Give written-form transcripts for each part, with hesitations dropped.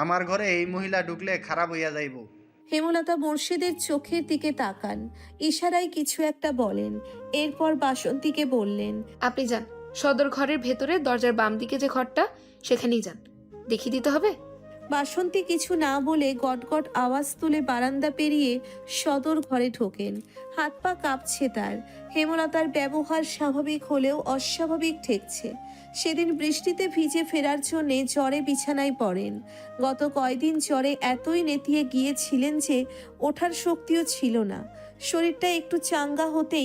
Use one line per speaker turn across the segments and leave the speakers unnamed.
আমার ঘরে এই মহিলা ঢুকলে খারাপ হইয়া যাইব।
হেমলতা মোর্শেদের চোখের দিকে তাকান, ইশারায় কিছু একটা বলেন। এরপর বাসন্তীকে বললেন,
আপনি যান, সদর ঘরের ভেতরে দরজার বাম দিকে যে ঘরটা, সেখানেই যান। দেখিয়ে দিতে হবে?
বাসন্তী কিছু না বলে গটগট আওয়াজ তুলে বারান্দা পেরিয়ে সদর ঘরে ঢোকেন। হাত পা কাঁপছে তার। হেমলতার ব্যবহার স্বাভাবিক হলেও অস্বাভাবিক ঠেকছে। সেদিন বৃষ্টিতে ভিজে ফেরার জন্যে জ্বরে বিছানায় পড়েন। গত কয়দিন জ্বরে এতই নেতিয়ে গিয়েছিলেন যে ওঠার শক্তিও ছিল না। শরীরটা একটু চাঙ্গা হতেই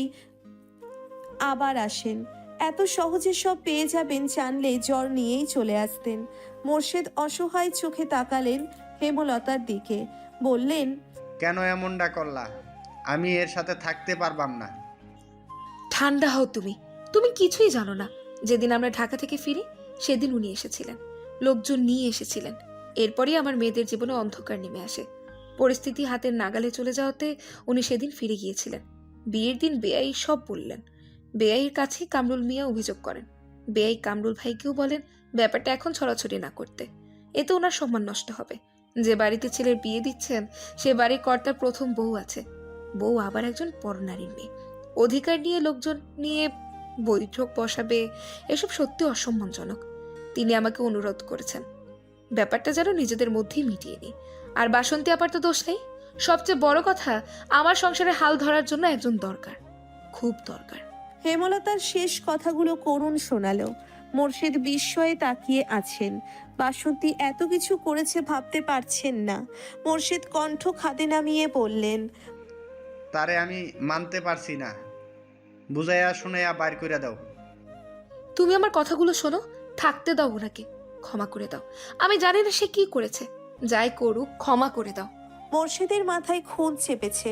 আবার আসেন। এত সহজে সব পেয়ে যাবেন জানলে জ্বর নিয়েই চলে আসতেন। মোর্শেদ অসহায় চোখে তাকালেন হেমলতার দিকে, বললেন,
কেন এমনটা করলা? আমি এর সাথে থাকতে পারবাম না।
ঠান্ডা হও তুমি, তুমি কিছুই জানো না। যেদিন আমরা ঢাকা থেকে ফিরি সেদিন উনি এসেছিলেন, লোকজন নিয়ে এসেছিলেন। এরপরই আমার মেয়েদের জীবনে অন্ধকার নেমে আসে। পরিস্থিতি হাতের নাগালে চলে যাওয়াতে উনি সেদিন ফিরে গিয়েছিলেন। বিয়ের দিন বেআই সব বললেন। বেআইয়ের কাছে কামরুল মিয়া অভিযোগ করেন। বেআই কামরুল ভাইকেও বলেন ব্যাপারটা এখন ছড়াছড়ি না করতে, এতে ওনার সম্মান নষ্ট হবে। যে বাড়িতে ছেলের বিয়ে দিচ্ছেন সে বাড়ির কর্তার প্রথম বউ আছে। বউ আবার একজন পরনারীর মেয়ে। অধিকার নিয়ে লোকজন নিয়ে বৈঠক বসাবে, এসব সত্যি অসম্মানজনক। তিনি আমাকে অনুরোধ করেছেন ব্যাপারটা যেন নিজেদের মধ্যেই মিটিয়ে নিই। আর বাসন্তী আপার তো দোষ নেই। সবচেয়ে বড় কথা, আমার সংসারে হাল ধরার জন্য একজন দরকার, খুব দরকার।
হেমলতার শেষ কথাগুলো করুণ শোনালো। মোর্শেদ বিস্ময়ে তাকিয়ে আছেন। বাসন্তী এত কিছু করেছে ভাবতে পারছেন না। মোর্শেদ কণ্ঠ খাদে নামিয়ে বললেন,
তারে আমি মানতে পারছি না। বুঝাইয়া শুনাইয়া বাইর করে দাও।
তুমি আমার কথাগুলো শোনো, থাকতে দাও ওনাকে, ক্ষমা করে দাও। আমি জানি না সে কি করেছে, যাই করুক ক্ষমা করে দাও।
মোর্শেদের মাথায় খুন চেপেছে।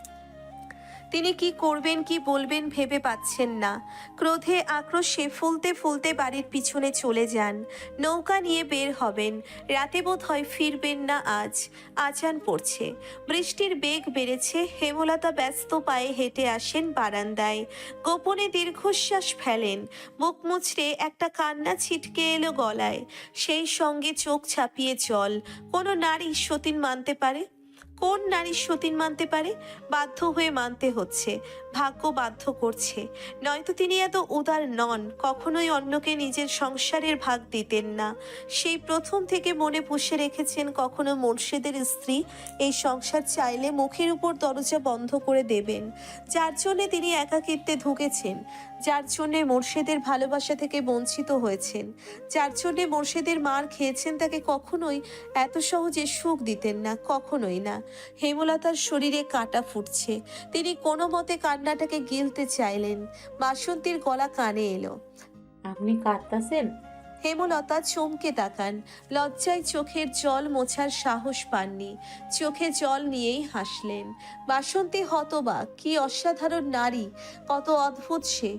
তিনি কি করবেন কি বলবেন ভেবে পাচ্ছেন না। ক্রোধে আক্রোশে ফুলতে ফুলতে বাড়ির পিছনে চলে যান। নৌকা নিয়ে বের হবেন। রাতে বোধ হয় ফিরবেন না আজ। আজান পড়ছে, বৃষ্টির বেগ বেড়েছে। হেমলতা ব্যস্ত পায়ে হেঁটে আসেন বারান্দায়। গোপনে দীর্ঘশ্বাস ফেলেন। বুক মুচড়ে একটা কান্না ছিটকে এলো গলায়। সেই সঙ্গে চোখ ছাপিয়ে জল। কোনো নারী সতীন মানতে পারে? কোন নারী সতীন মানতে পারে? বাধ্য হয়ে মানতে হচ্ছে, ভাগ্য বাধ্য করছে। নয়তো তিনি এত উদার নন, কখনোই অন্যকে নিজের সংসারের ভাগ দিতেন না। সেই প্রথম থেকে মনে পুষে রেখেছেন কখনো মোর্শেদের স্ত্রী এই সংসার চাইলে মুখের উপর দরজা বন্ধ করে দেবেন। যার জন্যে তিনি একাকিত্বে ঢুকেছেন, যার জন্যে মোর্শেদের ভালোবাসা থেকে বঞ্চিত হয়েছেন, যার জন্যে মোর্শেদের মার খেয়েছেন, তাকে কখনোই এত সহজে সুখ দিতেন না, কখনোই না। হেমলতার শরীরে কাঁটা ফুটছে। তিনি কোনো মতে কান্নাটাকে গিলতে চাইলেন। বাসন্তীর গলা কানে এলো,
আপনি কাঁদতাছেন?
হেমলতা চমকে তাকান। লজ্জায় চোখের জল মোছার সাহস পাননি। চোখে জল নিয়েই হাসলেন। বাসন্তী হতবাক। কি অসাধারণ নারী, কত অদ্ভুত সে।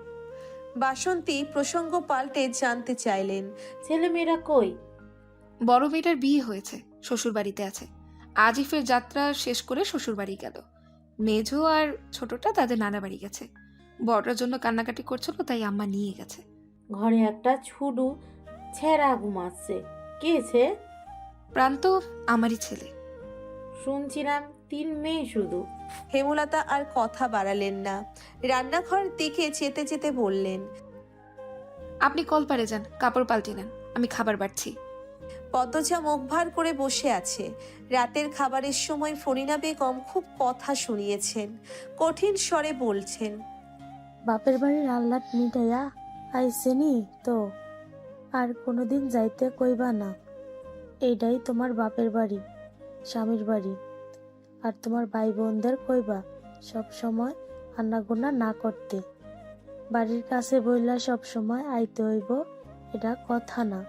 বাসন্তী প্রসঙ্গ পাল্টে জানতে চাইলেন,
ছেলেমেয়েরা কই?
বড় মেয়েটার বিয়ে হয়েছে, শ্বশুর বাড়িতে আছে। আজই ফের যাত্রা শেষ করে শ্বশুর বাড়ি গেল। মেঝো আর ছোটটা তাদের নানা বাড়ি গেছে। বড়টার জন্য কান্নাকাটি করছিল, তাই আম্মা নিয়ে গেছে।
ঘরে একটা ছুডু ছেঁড়া ঘুমাচ্ছে। কে সে?
প্রান্ত আমারই ছেলে।
শুনছিলাম 3 মেয়ে শুধু।
হেমলতা আর কথা বাড়ালেন না। রান্নাঘর দিকে যেতে যেতে বললেন,
আপনি কল পারে যান, কাপড় পাল্টে নেন, আমি খাবার বাড়ছি।
পদ্মজা মুখ ভার করে বসে আছে। রাতের খাবারের সময় ফরিনা বেগম খুব কথা শুনিয়েছেন। কঠিন স্বরে বলছেন,
বাপের বাড়ির আহ্লাদ মিটাইয়া আইসেনি তো আর কোনোদিন যাইতে কইবা না। এইটাই তোমার বাপের বাড়ি, স্বামীর বাড়ি। আর তোমার ভাই বোনদের কইবা সব সময় আন্নাগোনা না করতে। বাড়ির কাছে বইলা সব সময় আইতে হইব, এটা কথা না,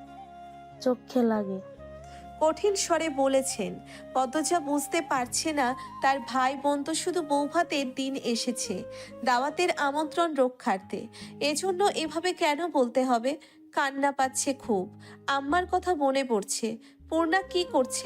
চোখে লাগে।
কঠিন স্বরে বলেছেন। পদ্মজা বুঝতে পারছে না তার ভাই বোন তো শুধু বৌভাতের দিন এসেছে, দাওয়াতের আমন্ত্রণ রক্ষার্থে। এজন্য এভাবে কেন বলতে হবে? কান্না পাচ্ছে খুব। আম্মার কথা মনে পড়ছে। পূর্ণা কি করছে?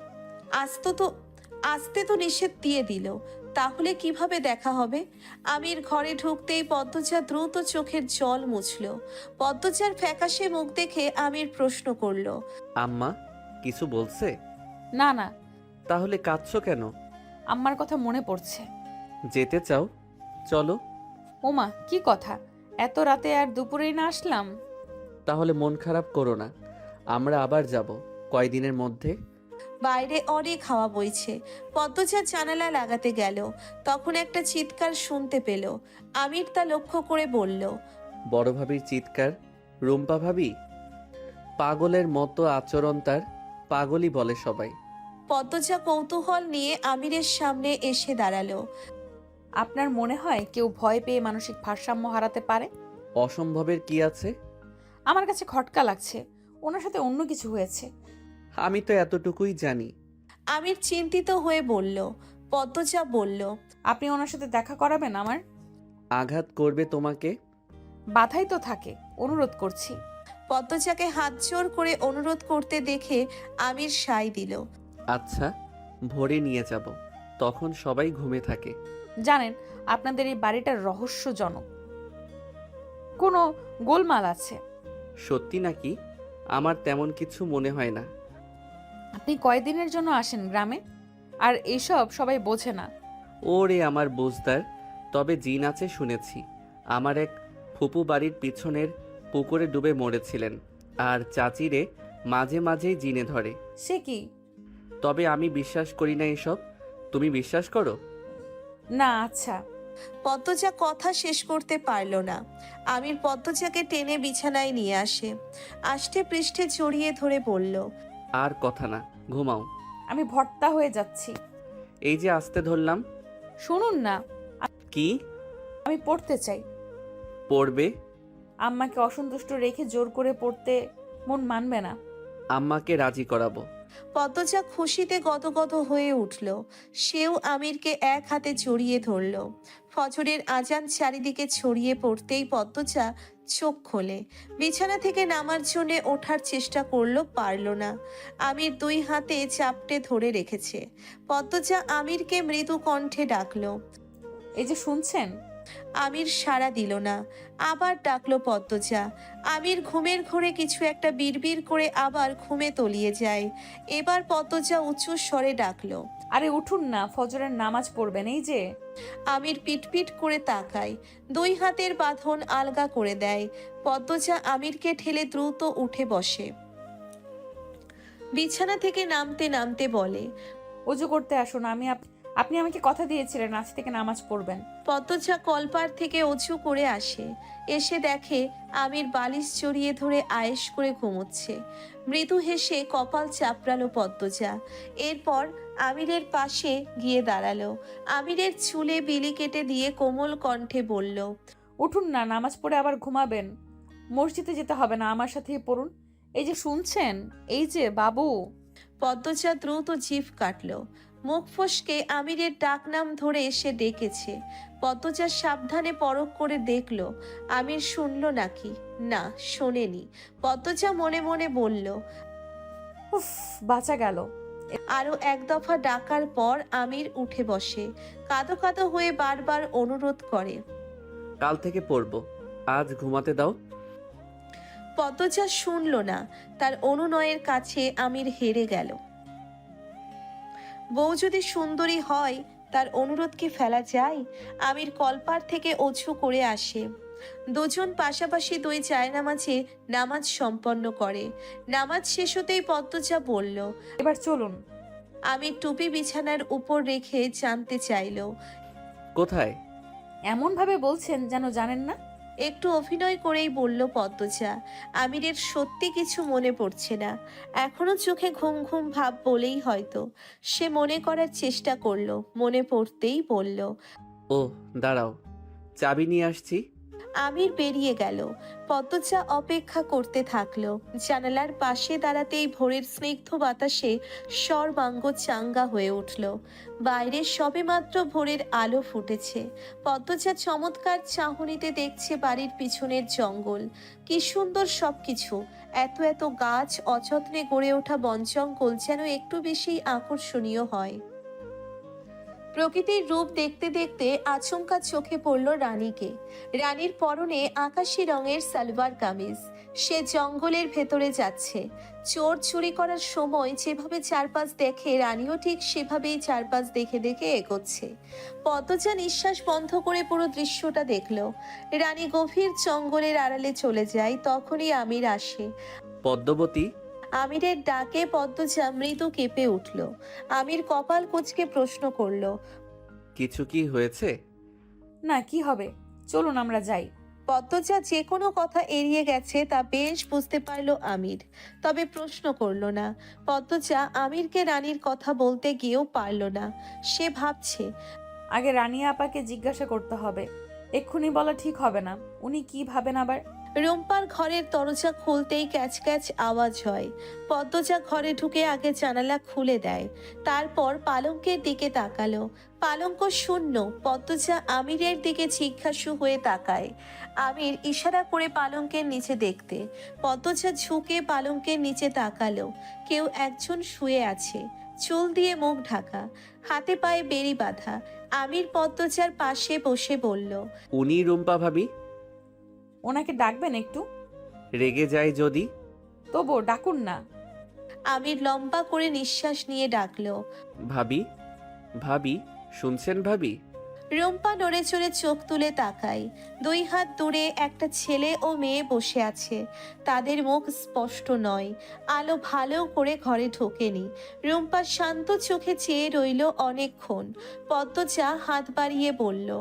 আসতে তো নিষেধ দিয়ে দিল, তাহলে কিভাবে দেখা হবে? আমির ঘরে ঢুকতেই পদ্মজা দ্রুত চোখের জল মুছল। পদ্মজার ফ্যাকাশে মুখ দেখে আমির প্রশ্ন করল,
আম্মা, কিছু বলছে?
না না,
তাহলে কাঁদছো কেন?
আম্মার কথা মনে পড়ছে।
যেতে চাও? চলো।
ওমা, কি কথা! এত রাতে আর দুপুরেই না আসলাম?
তাহলে মন খারাপ করো না, আমরা আবার যাব কয়দিনের মধ্যে।
বাইরে অনেক হাওয়া বইছে। পদ্মজা জানালা লাগাতে গেল, তখন একটা চিৎকার শুনতে পেল। আমির তা লক্ষ্য করে বলল,
বড় ভাবির চিৎকার? রুম্পা ভাবি? পাগলের মতো আচরণ তার, পাগলই বলে সবাই।
পদ্মজা কৌতূহল নিয়ে আমিরের সামনে এসে দাঁড়ালো।
আপনার মনে হয় কেউ ভয় পেয়ে মানসিক ভারসাম্য হারাতে পারে?
অসম্ভবের কি আছে?
আমার কাছে খটকা লাগছে, ওনার সাথে অন্য কিছু হয়েছে।
আমি তো এতটুকুই জানি।
আমির চিন্তিত হয়ে বলল। পদ্মজা বলল,
আপনি ওনার সাথে দেখা করাবেন আমার?
আঘাত করবে তোমাকে?
বাধাই তো থাকে, অনুরোধ করছি।
পদ্মজাকে হাত জোর করে অনুরোধ করতে দেখে আমির সায় দিল।
আচ্ছা, ভোরে নিয়ে যাব, তখন সবাই ঘুমে থাকে।
জানেন, আপনাদের এই বাড়িটা রহস্যজনক, কোনো গোলমাল আছে।
সত্যি নাকি? আমার তেমন কিছু মনে হয় না।
আপনি কয়দিনের জন্য আসেন গ্রামে? আর এইসব সবাই বোঝে না।
ওরে আমার বুঝদার, তবে জিন আছে শুনেছি। আমার এক ফুপু বাড়ির পিছনের পুকুরে ডুবে মরেছিলেন, আর চাচিরে মাঝে মাঝেই জিনে ধরে।
সে কি?
তবে আমি বিশ্বাস করি না এসব। তুমি বিশ্বাস করো?
না। আচ্ছা।
পদ্মজা কথা শেষ করতে পারল না। আমির পদ্মজাকে টেনে বিছানায় নিয়ে আসে, আষ্টে পৃষ্ঠে জড়িয়ে ধরে বলল,
আর কথা না, ঘুমাও।
আমি ভর্তা হয়ে যাচ্ছি।
এই যে আস্তে ধরলাম।
শুনুন না,
কি?
আমি পড়তে চাই।
পড়বে?
আম্মাকে অসন্তুষ্ট রেখে জোর করে পড়তে মন মানবে না।
আম্মাকে রাজি করাবো।
পদ্মজা খুশিতে গদগদ হয়ে উঠল। সেও আমিরকে এক হাতে জড়িয়ে ধরল। ফজরের আজান চারিদিকে ছড়িয়ে পড়তেই পদ্মজা চোখ খোলে। বিছানা থেকে নামার জন্য ওঠার চেষ্টা করলো, পারল না। আমির দুই হাতে চাপটে ধরে রেখেছে। পদ্মজা আমিরকে মৃদু কণ্ঠে ডাকলো।
এই যে শুনছেন?
আমির সাড়া দিল না। আবার ডাকলো পদ্মজা। আমির ঘুমের ঘোরে কিছু একটা বিড়বিড় করে আবার ঘুমে তলিয়ে যায়। এবার পদ্মজা উঁচু স্বরে ডাকলো,
আরে উঠুন না, ফজরের নামাজ পড়বেন। এই যে।
আমির পিটপিট করে তাকায়, দুই হাতের বাঁধন আলগা করে দেয়। পদ্মজা আমিরকে ঠেলে দ্রুত উঠে বসে। বিছানা থেকে নামতে নামতে বলে,
ওযু করতে আসুন। আপনি আমাকে কথা দিয়েছিলেন আজ থেকে নামাজ পড়বেন।
পদ্মজা কলপার থেকে উঁচু করে আসে। এসে দেখে আমির বালিশ জড়িয়ে ধরে আয়েশ করে ঘুমোচ্ছে। মৃদু হেসে কপাল চাপড়ালো পদ্মজা। এরপর আমিরের পাশে গিয়ে দাঁড়ালো। আমিরের চুলে বিলি কেটে দিয়ে কোমল কণ্ঠে বলল,
উঠুন না, নামাজ পড়ে আবার ঘুমাবেন। মসজিদে যেতে হবে না, আমার সাথেই পড়ুন। এই যে শুনছেন? এই যে বাবু।
পদ্মজা দ্রুত জিভ কাটল। মুখ ফসকে আমিরের ডাকনাম ধরে এসে ডেকেছে। পদ্মজা সাবধানে পরখ করে দেখল আমির শুনল নাকি। না, শোনেনি। পদ্মজা মনে মনে বলল,
উফ, বাঁচা গেল।
আরো এক দফা ডাকার পর আমির উঠে বসে। কাঁদো কাঁদো হয়ে বারবার অনুরোধ করে,
কাল থেকে পড়বো, আজ ঘুমাতে দাও।
পদ্মজা শুনল না। তার অনুনয়ের কাছে আমির হেরে গেল। বউ যদি সুন্দরী হয়, তার অনুরোধ কি ফেলা যায়? আমির কলপার থেকে অজু করে আসে। দুজন পাশাপাশি দুই জায়নামাজে নামাজ সম্পন্ন করে। নামাজ শেষ হতেই পদ্মজা বলল,
এবার চলুন।
আমির টুপি বিছানার উপর রেখে জানতে চাইল,
কোথায়?
এমন ভাবে বলছেন যেন জানেন না।
একটু অভিনয় করেই বলল পদ্মজা। আমিরের সত্যি কিছু মনে পড়ছে না। এখনো চোখে ঘুম ঘুম ভাব বলেই হয়তো। সে মনে করার চেষ্টা করলো, মনে পড়তেই বলল,
ও দাঁড়াও, চাবি নিয়ে আসছি।
আমির বেরিয়ে গেল। পদ্মজা অপেক্ষা করতে থাকলো। জানালার পাশে দাঁড়াতেই ভোরের স্নিগ্ধ বাতাসে সর্বাঙ্গ চাঙ্গা হয়ে উঠল। বাইরে সবেমাত্র ভোরের আলো ফুটেছে। পদ্মজা চমৎকার চাহনিতে দেখছে বাড়ির পিছনের জঙ্গল। কি সুন্দর সবকিছু! এত এত গাছ, অযত্নে গড়ে ওঠা বন জঙ্গল যেন একটু বেশি আকর্ষণীয় হয়। প্রকৃতির রূপ দেখতে দেখতে আচমকা চোখে পড়ল রানীকে। রানীর পরনে আকাশি রঙের সালোয়ার কামিজ, সে জঙ্গলের ভেতরে যাচ্ছে। চোর চুরি করার সময় যেভাবে চারপাশ দেখে, রানীও ঠিক সেভাবেই চারপাশ দেখে দেখে এগোচ্ছে। পদ্মজা নিঃশ্বাস বন্ধ করে পুরো দৃশ্যটা দেখলো। রানী গভীর জঙ্গলের আড়ালে চলে যায়। তখনই আমির আসে।
পদ্মবতী,
আমিরের ডাকে পদ্মজা মৃদু কেঁপে উঠল। আমির কপাল কুঁচকে প্রশ্ন করলো,
কিছু কি হয়েছে?
না, কি হবে, চলুন আমরা যাই।
পদ্মজা যে কোনো কথা এড়িয়ে গেছে তা বেশ বুঝতে পারলো আমির, তবে প্রশ্ন করলো না। পদ্মজা আমিরকে রানীর কথা বলতে গিয়েও পারল না। সে ভাবছে,
আগে রানী আপাকে জিজ্ঞাসা করতে হবে, এক্ষুনি বলা ঠিক হবে না। উনি কি ভাবেন আবার।
রুম্পার ঘরের দরজা খুলতেই ক্যাচ ক্যাচ আওয়াজ হয়। পদ্মজা ঘরে ঢুকে আগে জানালা খুলে দেয়, তারপর পালঙ্কের দিকে তাকালো। পালঙ্ক শূন্য। পদ্মজা আমিরের দিকে জিজ্ঞাসু হয়ে তাকায়। আমির ইশারা করে পালঙ্কের নিচে দেখতে। পদ্মজা ঝুঁকে পালঙ্কের নিচে তাকালো। কেউ একজন শুয়ে আছে, চুল দিয়ে মুখ ঢাকা, হাতে পায়ে বেড়ি বাঁধা। আমির পদ্মজার পাশে বসে বলল,
উনি রুম্পা ভাবি?
ওনাকে ডাকবেন একটু?
রেগে যায় যদি?
তবুও ডাকুন না।
আমির লম্বা করে নিঃশ্বাস নিয়ে ডাকলো,
ভাবি, ভাবি, শুনছেন ভাবি?
রুম্পা নড়ে চড়ে চোখ তুলে তাকায়। 2 হাত দূরে একটা ছেলে ও মেয়ে বসে আছে। তাদের মুখ স্পষ্ট নয়, আলো ভালো করে ঘরে ঢোকেনি। রুম্পা শান্ত চোখে চেয়ে রইল অনেকক্ষণ। পদ্মজা হাত বাড়িয়ে বলল,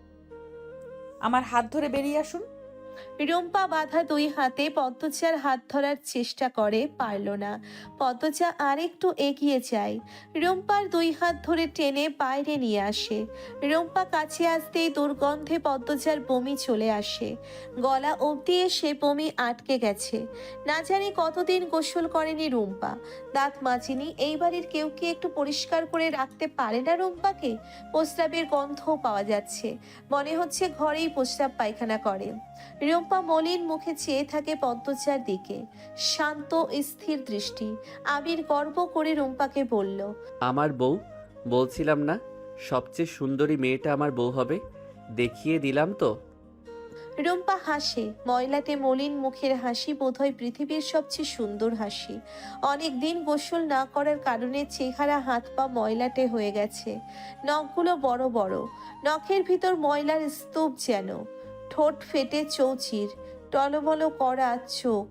আমার হাত ধরে বেরিয়ে আসুন।
রুম্পা বাঁধা 2 হাতে পদ্মজার হাত ধরার চেষ্টা করে, পারল না। পদ্মজা আরেকটু এগিয়ে যায়, রুম্পার 2 হাত ধরে টেনে বাইরে নিয়ে আসে। রুম্পা কাছে আসতেই দুর্গন্ধে পদ্মজার বমি চলে আসে। গলা অবধি এসে বমি আটকে গেছে। না জানি কতদিন গোসল করেনি রুম্পা, দাঁত মাজেনি। এই বাড়ির কেউ কি একটু পরিষ্কার করে রাখতে পারে না রুম্পাকে? প্রস্রাবের গন্ধও পাওয়া যাচ্ছে, মনে হচ্ছে ঘরেই প্রস্রাব পায়খানা করে। রুম্পা মলিন মুখে চেয়ে থাকে পদ্মজার দিকে, শান্ত স্থির দৃষ্টি। আবির গর্ব করে রুম্পাকে বলল,
আমার বউ, বলছিলাম না সবচেয়ে সুন্দরী মেয়েটা আমার বউ হবে? দেখিয়ে দিলাম তো।
রুম্পা হাসে। ময়লাটে মলিন মুখের হাসি বোধহয় পৃথিবীর সবচেয়ে সুন্দর হাসি। অনেক দিন গোসল না করার কারণে চেহারা হাত পা ময়লাটে হয়ে গেছে। নখগুলো বড় বড়, নখের ভিতর ময়লার স্তূপ যেন। ঠোঁট ফেটে চৌচির, টলমলো করা চোখ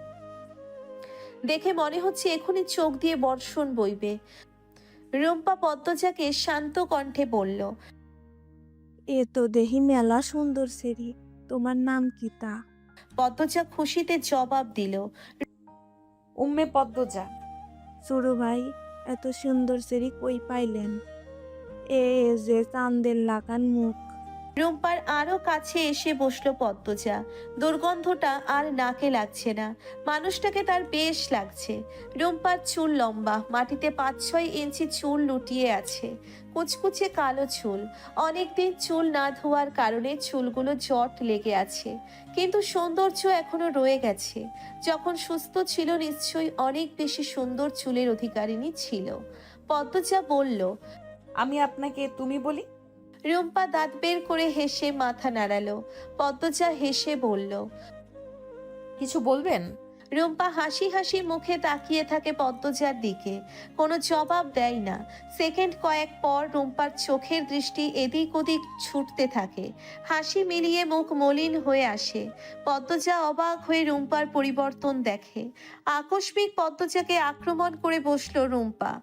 দেখে মনে হচ্ছে এখনই চোখ দিয়ে বর্ষণ বইবে। রুম্পা পদ্মজাকে শান্ত কণ্ঠে বলল,
এ তো দেহি মেলা সুন্দর সেরি, তোমার নাম কি তা?
পদ্মজা খুশিতে জবাব দিল,
উম্মে পদ্মজা।
সুরু ভাই, এত সুন্দর সেরি কই পাইলেন? এ যে চাঁদের লাগান মুখ।
রুম্পার আরো কাছে এসে বসলো পদ্মজা। দুর্গন্ধটা আর নাকে লাগছে না, মানুষটাকে তার বেশ লাগছে। রুম্পার চুল লম্বা, মাটিতে 5-6 ইঞ্চি চুল লুটিয়ে আছে, কুচকুচে কালো চুল। অনেকদিন চুল না ধোয়ার কারণে চুলগুলো জট লেগে আছে, কিন্তু সৌন্দর্য এখনো রয়ে গেছে। যখন সুস্থ ছিল নিশ্চয়ই অনেক বেশি সুন্দর চুলের অধিকারিণী ছিল। পদ্মজা বলল,
আমি আপনাকে তুমি বলি?
রুম্পা দাঁত বের করে হেসে মাথা নাড়ালো। পদ্মজা হেসে বলল,
কিছু বলবেন?
রুম্পা হাসি হাসি মুখে তাকিয়ে থাকে পদ্মজার দিকে, কোনো জবাব দেয় না। সেকেন্ড কয়েক পর রুম্পার চোখের দৃষ্টি এদিক ওদিক ছুটতে থাকে, হাসি মিলিয়ে মুখ মলিন হয়ে আসে। পদ্মজা অবাক হয়ে রুম্পার পরিবর্তন দেখে। আকস্মিক পদ্মজাকে আক্রমণ করে বসলো রুম্পা।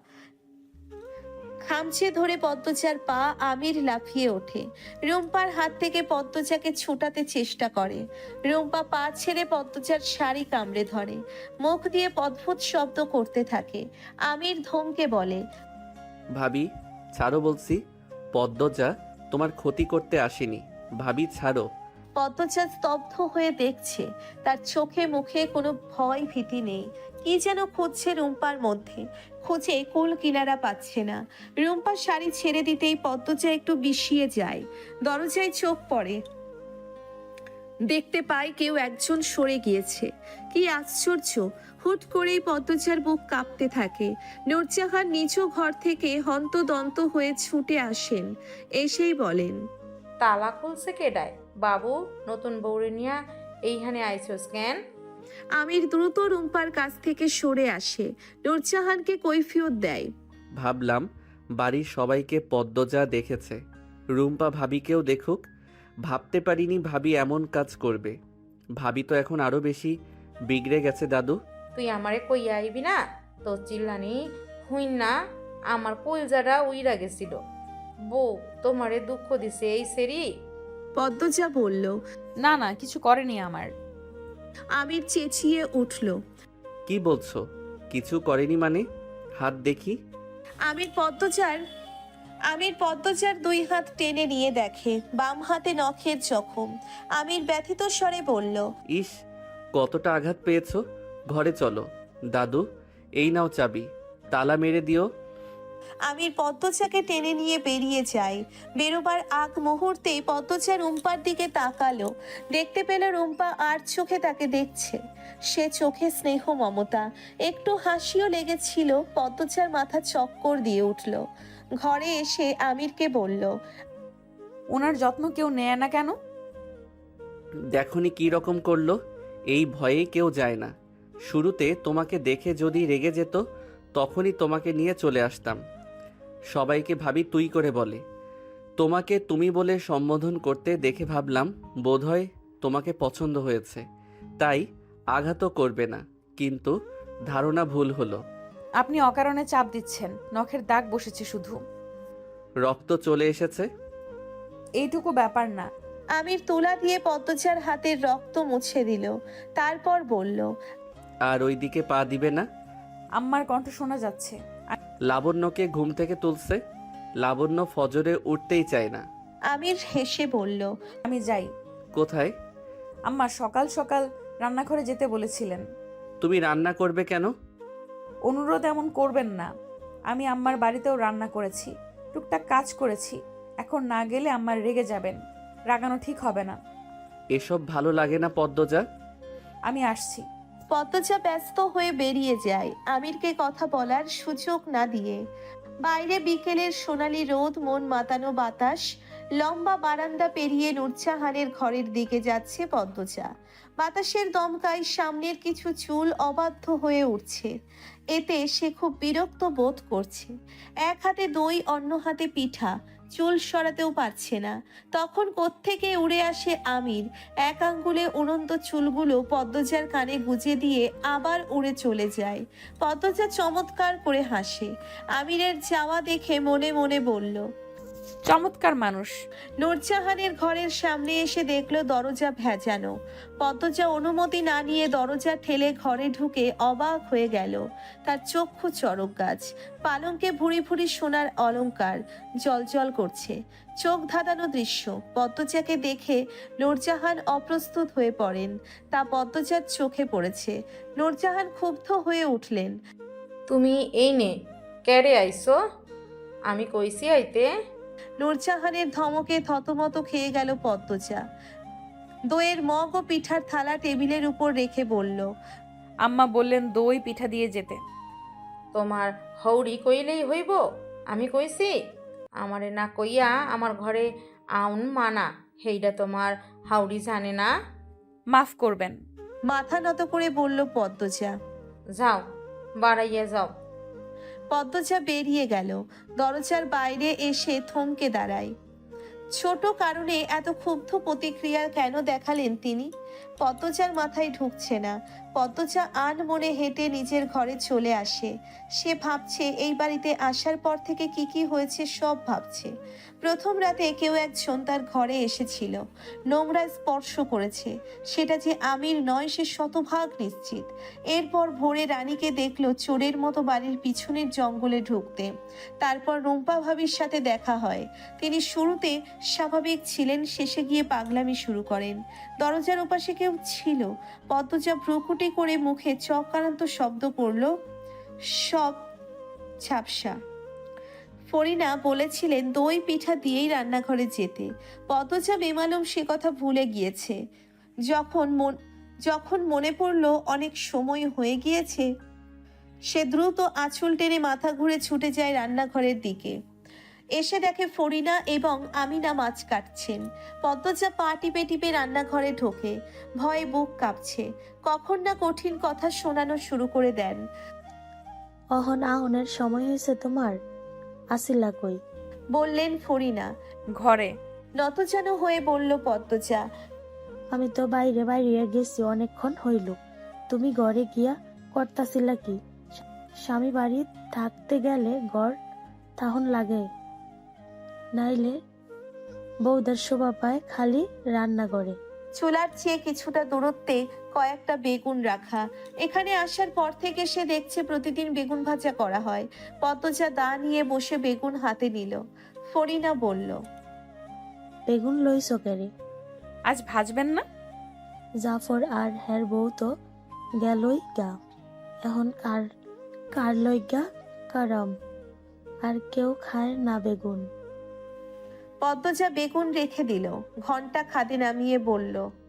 খামচে ধরে পদ্মজার পা। আমির লাফিয়ে ওঠে, রুম্পার হাত থেকে পদ্মজাকে ছোটাতে চেষ্টা করে। রুম্পা পা ছেড়ে পদ্মজার শাড়ি কামড়ে ধরে, মুখ দিয়ে অদ্ভুত শব্দ করতে থাকে। আমির ধমকে বলে,
ভাবি, ছাড়ো বলছি। পদ্মজা তোমার ক্ষতি করতে আসেনি, ভাবি ছাড়ো।
পদ্মজা স্তব্ধ হয়ে দেখছে, তার চোখে মুখে কোনো ভয় ভীতি নেই। কি যেন খুঁজছে রুম্পার মধ্যে, খুঁজে কুল কিনারা পাচ্ছে না। রুম্পার শাড়ি ছেড়ে দিতেই পদ্মজা একটু বিষিয়ে যায়। দরজায় চোখ পড়ে, দেখতে পায় কেউ একজন সরে গিয়েছে। কি আশ্চর্য! হুট করেই পদ্মজার বুক কাঁপতে থাকে। নূরজাহান নিজ ঘর থেকে হন্তদন্ত হয়ে ছুটে আসেন, এসেই বলেন,
তালা খুলছে কেডায়? বাবু, নতুন বউরে নিয়া এইখানে আইছস কেন?
আমির দ্রুত রুম্পার কাছ থেকে সরে আসে, নূরজাহানকে কৈফিয়ত দেয়।
ভাবলাম বাড়ির সবাইকে পদ্মজা দেখেছে, রুম্পা ভাবিকেও দেখুক। ভাবতে পারিনি ভাবি এমন কাজ করবে। ভাবি তো এখন আরো বেশি বিগড়ে গেছে দাদু।
তুই আমারে কইয়া আইবি না? তো চিল্লানি হুইন না আমার কলজাটা উইরা গেছিল। বউ তোমারে দুঃখ দিছে এই সেরি?
পদ্মজা বলল।
না না, কিছু করেনি আমার।
আমির চেঁচিয়ে উঠল।
কি বলছো? কিছু করেনি মানে? হাত দেখি।
আমির পদ্মজার 2 হাত টেনে নিয়ে দেখে বাম হাতে নখের জখম। আমির ব্যথিত স্বরে বলল।
ইস, কতটা আঘাত পেয়েছো। ঘরে চলো দাদু, এই নাও চাবি, তালা মেরে দিও।
আমির পদ্মজাকে টেনে নিয়ে বেরিয়ে যায়। বেরোবার আগ মুহূর্তেই পদ্মজা রুম্পার দিকে তাকালো। দেখতে পেল রুম্পা আর চোখে তাকে দেখছে। সে চোখে স্নেহ মমতা, একটু হাসিও লেগেছিল। পদ্মজার মাথা চক্কর দিয়ে উঠল। ঘরে এসে আমিরকে বলল।
ওনার যত্ন কেউ নেয় না কেন?
দেখনি কি রকম করলো। এই ভয়েই কেউ যায় না। শুরুতে তোমাকে দেখে যদি রেগে যেত তখনই তোমাকে নিয়ে চলে আসতাম। সবাইকে ভাবি তুই করে বলে। তোমাকে তুমি বলে সম্বোধন করতে দেখে ভাবলাম বোধহয় তোমাকে পছন্দ হয়েছে, তাই আঘাতও করবে না। কিন্তু ধারণা ভুল হলো।
আপনি অকারণে চাপ দিচ্ছেন, নখের দাগ বসেছে শুধু।
রক্ত চলে এসেছে।
এইটুকু ব্যাপার না।
আমির তুলা দিয়ে পদ্মজার হাতের রক্ত মুছে দিল। তারপর বলল।
আর ওই দিকে পা দিবে না।
আম্মার কণ্ঠ শোনা যাচ্ছে।
লাবণ্যকে ঘুম থেকে তুলছে। লাবণ্য ফজরে উঠতেই চায় না।
আমির হেসে বলল।
আমি যাই।
কোথায়?
আম্মা সকাল সকাল রান্নাঘরে যেতে বলেছিলেন।
তুমি রান্না করবে কেন?
অনুরোধ এমন করবেন না। আমি আম্মার বাড়িতেও রান্না করেছি, টুকটাক কাজ করেছি। এখন না গেলে আম্মার রেগে যাবেন। রাগানো ঠিক হবে না।
এসব ভালো লাগে না পদ্মজা।
আমি আসছি।
পদ্মজা ব্যস্ত হয়ে বেরিয়ে যায়, আমিরকে কথা বলার সুযোগ না দিয়ে। বাইরে বিকেলের সোনালি রোদ, মন মাতানো বাতাস। লম্বা বারান্দা পেরিয়ে নূরজাহানের ঘরের দিকে যাচ্ছে পদ্মজা। বাতাসের দমকায় সামনের কিছু চুল অবাধ্য হয়ে উঠছে। এতে সে খুব বিরক্ত বোধ করছে। এক হাতে দই, অন্য হাতে পিঠা, চুল সরাতেও পারছে না। তখন কোত্থেকে উড়ে আসে আমির। এক আঙ্গুলে উড়ন্ত চুলগুলো পদ্মজার কানে গুজে দিয়ে আবার উড়ে চলে যায়। পদ্মজা চমৎকার করে হাসে। আমিরের যাওয়া দেখে মনে মনে বলল।
চমৎকার মানুষ।
নূরজাহানের ঘরের সামনে এসে দেখলো দরজা ভেজানো। পদ্মজা অনুমতি না নিয়ে দরজা ঠেলে ঘরে ঢুকে অবাক হয়ে গেল। তার চক্ষু চড়ক গাছ, পালঙ্কে ভুরি ভুরি সোনার অলংকার জ্বলজ্বল করছে। চোখ ধাঁধানো দৃশ্য। পদ্মজাকে দেখে নূরজাহান অপ্রস্তুত হয়ে পড়েন। তা পদ্মজার চোখে পড়েছে। নূরজাহান ক্ষুব্ধ হয়ে উঠলেন।
তুমি এই নে ক্যারে আইসো? আমি কইছি আইতে।
নূরজাহানের ধমকে থতমত খেয়ে গেল পদ্মজা। দইয়ের মগ ও পিঠার থালা টেবিলের উপর রেখে বলল।
আম্মা বললেন দই পিঠা দিয়ে যেতে।
তোমার হৌড়ি কইলেই হইব? আমি কইছি আমারে না কইয়া আমার ঘরে আউন মানা, হেইডা তোমার হাউড়ি জানে না?
মাফ করবেন।
মাথা নত করে বলল পদ্মজা।
যাও বাড়াইয়া যাও।
পদ্মজা বেরিয়ে গেল। দরজার বাইরে এসে থমকে দাঁড়ায়। ছোট কারণে এত ক্ষুব্ধ প্রতিক্রিয়া কেন দেখালেন তিনি? পদ্মজার মাথায় ঢুকছে না। পদ্মজা আনমনে হেঁটে নিজের ঘরে চলে আসে। সে ভাবছে এই বাড়িতে আসার পর থেকে কি কি হয়েছে সব ভাবছে। প্রথম রাতে কেউ একজন তার ঘরে এসেছিল, নোংরা স্পর্শ করেছে। সেটা যে আমির নয় সে শতভাগ নিশ্চিত। এরপর ভোরে রানীকে দেখলো চোরের মতো বাড়ির পিছনের জঙ্গলে ঢুকতে। তারপর রুম্পা ভাবির সাথে দেখা হয়। তিনি শুরুতে স্বাভাবিক ছিলেন, শেষে গিয়ে পাগলামি শুরু করেন। দরজার ওপাশে কেউ ছিল। পদ্মজা ভ্রুকুটি করে মুখে চক্রান্ত শব্দ করল। সব ঝাপসা। ফরিনা বলেছিলেন দই পিঠা দিয়েই রান্নাঘরে যেতে। পদ্মজা বেমালুম সে কথা ভুলে গিয়েছে। যখন মনে পড়ল অনেক সময় হয়ে গিয়েছে, সে দ্রুত আঁচল টেনে মাথা ঘুরে ছুটে যায় রান্নাঘরের দিকে। এসে দেখে ফরিনা এবং আমিনা মাছ কাটছেন। পদ্মজা পা টিপে টিপে রান্নাঘরে ঢোকে, ভয়ে বুক কাঁপছে। কখন না কঠিন কথা শোনানো শুরু করে দেন।
অহন আহনের সময় হয়েছে তোমার? আসিলা কই?
বললেন ফরিনা।
ঘরে।
নতজান হয়ে বলল পদ্মজা।
আমি তো বাইরে বাইরে গেছি অনেকক্ষণ হইল, তুমি ঘরে গিয়া করতাছিলা কি? স্বামী বাড়ি থাকতে গেলে ঘর তাহন লাগে, নাইলে বউদার শোভা পায় খালি রান্না করে।
চুলার চেয়ে কিছুটা দূরত্বে কয়েকটা বেগুন রাখা। এখানে আসার পর থেকে সে দেখছে প্রতিদিন বেগুন ভাজা করা হয়। পদ্মজা দা নিয়ে বসে বেগুন হাতে নিল। ফরিনা বলল,
বেগুন লইছ কেরে?
আজ ভাজবেন না?
জাফর আর হের বউ তো গেলই গা, এখন কার কার লইগা কারাম, আর কেউ খায় না বেগুন।
পদ্মজা বেগুন রেখে দিল। ঘন্টা খাদে নামিয়ে বলল,